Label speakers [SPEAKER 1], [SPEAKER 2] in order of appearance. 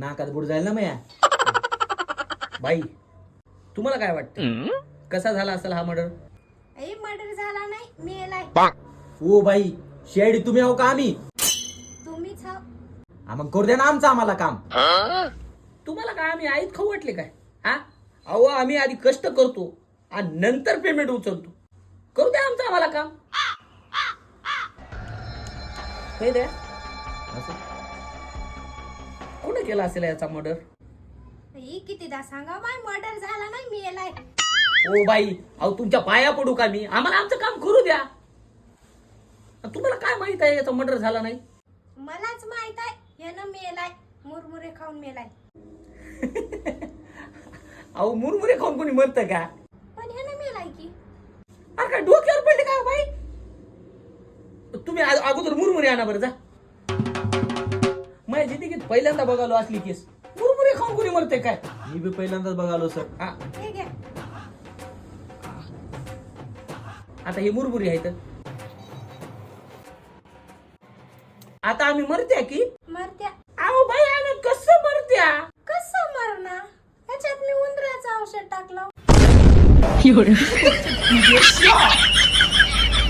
[SPEAKER 1] नाकात बुड जाईल ना मया. बाई तुम्हाला काय वाटतं कसा झाला असेल हा मर्डर?
[SPEAKER 2] मर्डर झाला नाही, मेलाय.
[SPEAKER 1] ओ बाई शेडी तुम्ही आहो का आम्ही?
[SPEAKER 2] तुम्हीच आहो.
[SPEAKER 1] मग करू द्या ना आमचं आम्हाला काम. तुम्हाला काय आम्ही आईत खाऊ वाटले काय? हा अहो आम्ही आधी कष्ट करतो आणि नंतर पेमेंट उचलतो. करू द्या आमचं आम्हाला काम. हे द्या कोणी केला असेल याचा मर्डर?
[SPEAKER 2] कितीदा सांगा माय मर्डर झाला नाही, मेलाय.
[SPEAKER 1] ओ बाई अहो तुमच्या पाया पडू का मी? आम्हाला आमचं काम करू द्या. तुम्हाला काय माहित आहे याचा मर्डर झाला नाही?
[SPEAKER 2] मलाच माहित आहे यानं मेलाय, मुरमुरे खाऊन मेलाय.
[SPEAKER 1] अहो मुरमुरे खाऊन कोणी मरतं का?
[SPEAKER 2] पण यानं मेलाय की.
[SPEAKER 1] अरे काय डोक्यावर पडले का बाई? तुम्ही अगोदर मुरमुरे आणा बरं जा. माझ्या जिंदगीत पहिल्यांदा बघालो असली केस. मुरमुरे खाऊन कोणी मरते काय?
[SPEAKER 3] मी बी पहिल्यांदाच बघालो सर.
[SPEAKER 2] हे घ्या.
[SPEAKER 1] आता हे मुरमुरे आहेत. आता आम्ही मरत्या की?
[SPEAKER 2] मरत्या.
[SPEAKER 1] अहो बाई आम्ही कसं मरत्या?
[SPEAKER 2] कसं मरणार? ह्याच्यात मी उंदराचं औषध टाकलं.